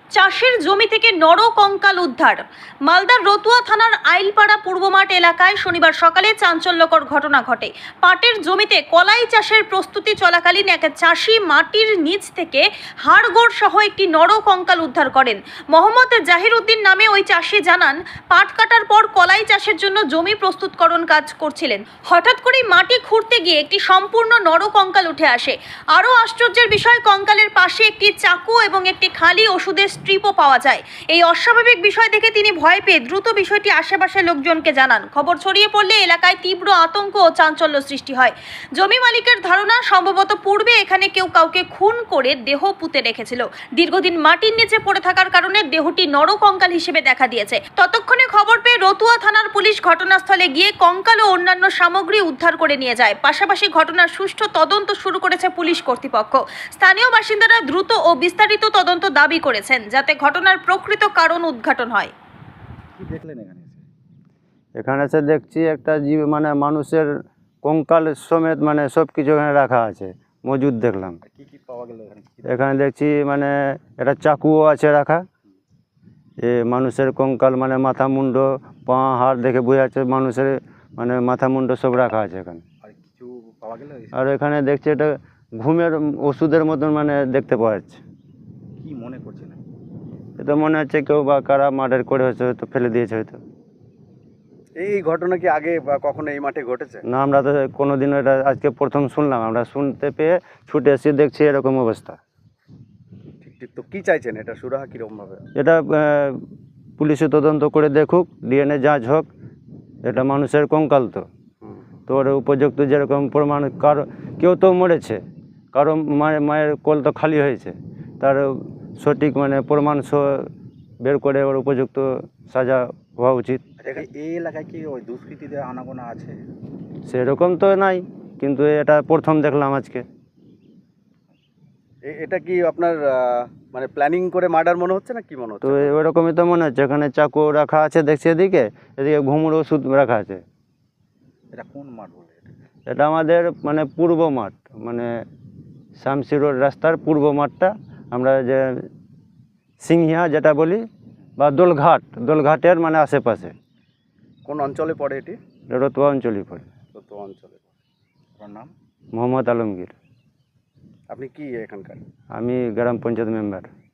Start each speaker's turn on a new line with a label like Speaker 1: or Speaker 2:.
Speaker 1: চাষের জমি থেকে নরকঙ্কাল উদ্ধার। মালদার রতুয়া থানার আইলপাড়া পূর্বমাঠ এলাকায় শনিবার সকালে চাঞ্চল্যকর ঘটনা ঘটে। পাটের জমিতে কলাই চাষের প্রস্তুতি চলাকালীন এক চাষি মাটির নিচ থেকে হাড়গোড় সহ একটি নরকঙ্কাল উদ্ধার করেন। মোহাম্মদ জাহির উদ্দিন নামে ওই চাষি জানান, পাট কাটার পর কলাই চাষের জন্য জমি প্রস্তুতকরণ কাজ করছিলেন। হঠাৎ করেই মাটি খুঁড়তে গিয়ে একটি সম্পূর্ণ নরকঙ্কাল উঠে আসে। আরও আশ্চর্যের বিষয়, কঙ্কালের পাশে একটি চাকু এবং একটি খালি ওষুধের স্ট্রিপও পাওয়া যায়। এই অস্বাভাবিক বিষয় দেখে তিনি ভয় পেয়ে দ্রুত বিষয়টি আশেপাশের লোকজনকে জানান। খবর ছড়িয়ে পড়লে এলাকায় তীব্র আতঙ্ক ও চাঞ্চল্য সৃষ্টি হয়। জমি মালিকের ধারণা, সম্ভবত পূর্বে এখানে কেউ কাউকে খুন করে দেহ পুঁতে রেখেছিল। দীর্ঘদিন মাটির নিচে পড়ে থাকার কারণে দেহটি নরকঙ্কাল হিসেবে দেখা দিয়েছে। ততক্ষণে খবর পেয়ে রতুয়া থানার পুলিশ ঘটনাস্থলে গিয়ে কঙ্কাল ও অন্যান্য সামগ্রী উদ্ধার করে নিয়ে যায়। পাশাপাশি ঘটনার সুষ্ঠু তদন্ত শুরু করেছে পুলিশ কর্তৃপক্ষ। স্থানীয় বাসিন্দারা দ্রুত ও বিস্তারিত তদন্ত দাবি করেছেন, যাতে ঘটনার প্রকৃত কারণ উদ্ঘাটন হয়।
Speaker 2: কি দেখলেন এখানে এসে?
Speaker 3: এখানে এসে দেখছি একটা জীব মানে মানুষের কঙ্কাল সমেত মানে সব কিছু এখানে রাখা আছে, মজুদ দেখলাম।
Speaker 2: আর কি কি পাওয়া গেল এখানে?
Speaker 3: এখানে দেখছি মানে একটা চাকুও আছে রাখা। এ মানুষের কঙ্কাল মানে মাথা মুন্ড পা হাড় দেখে বোঝা যাচ্ছে মানুষের মানে মাথা মুন্ড সব রাখা আছে এখানে।
Speaker 2: আর কিছু পাওয়া গেল?
Speaker 3: আর এখানে দেখছি এটা ঘুমের ওষুধের মতন মানে দেখতে পাওয়া যাচ্ছে।
Speaker 2: কি মনে করছেন?
Speaker 3: এটা মনে হচ্ছে কেউ বা কারা মার্ডার করে হয়তো হয়তো ফেলে দিয়েছে হয়তো।
Speaker 2: এই ঘটনা কি আগে বা কখনো এই মাঠে ঘটেছে?
Speaker 3: না, আমরা তো কোনোদিনও এটা আজকে প্রথম শুনলাম। আমরা শুনতে পেয়ে ছুটে এসে দেখছি এরকম অবস্থা।
Speaker 2: ঠিক ঠিক। তো কি চাইছেন, এটা সুরাহা কিরকম ভাবে?
Speaker 3: এটা পুলিশে তদন্ত করে দেখুক, ডিএনএ যাঁচ হোক। এটা মানুষের কঙ্কাল তো ওর উপযুক্ত যেরকম প্রমাণ, কারো কেউ তো মরেছে, কারো মায়ের কোল তো খালি হয়েছে, তার সঠিক মানে প্রমাণ বের করে ওর উপযুক্ত সাজা হওয়া উচিত।
Speaker 2: এই এলাকায় কি ওই দুষ্কৃতীদের আনাগোনা আছে?
Speaker 3: সেরকম তো নাই, কিন্তু এটা প্রথম দেখলাম আজকে।
Speaker 2: এটা কি আপনার মানে প্ল্যানিং করে মার্ডার মনে হচ্ছে না কি মনে
Speaker 3: তো
Speaker 2: হচ্ছে?
Speaker 3: ওরকমই তো মনে হচ্ছে। এখানে চাকু রাখা আছে দেখছি, এদিকে ঘুমুর ওষুধ রাখা আছে।
Speaker 2: এটা কোন মাঠ বলে?
Speaker 3: এটা আমাদের মানে পূর্ব মাঠ, মানে শামসি রোড রাস্তার পূর্ব মাঠটা, আমরা যে সিংহিয়া যেটা বলি বা দোলঘাটের মানে আশেপাশে।
Speaker 2: কোন অঞ্চলে পড়ে এটি?
Speaker 3: রতুয়া অঞ্চলই পড়ে।
Speaker 2: তো অঞ্চলে পড়ে। আপনার নাম?
Speaker 3: মোহাম্মদ আলমগীর।
Speaker 2: আপনি কি এখানকার?
Speaker 3: আমি গ্রাম পঞ্চায়েত মেম্বার।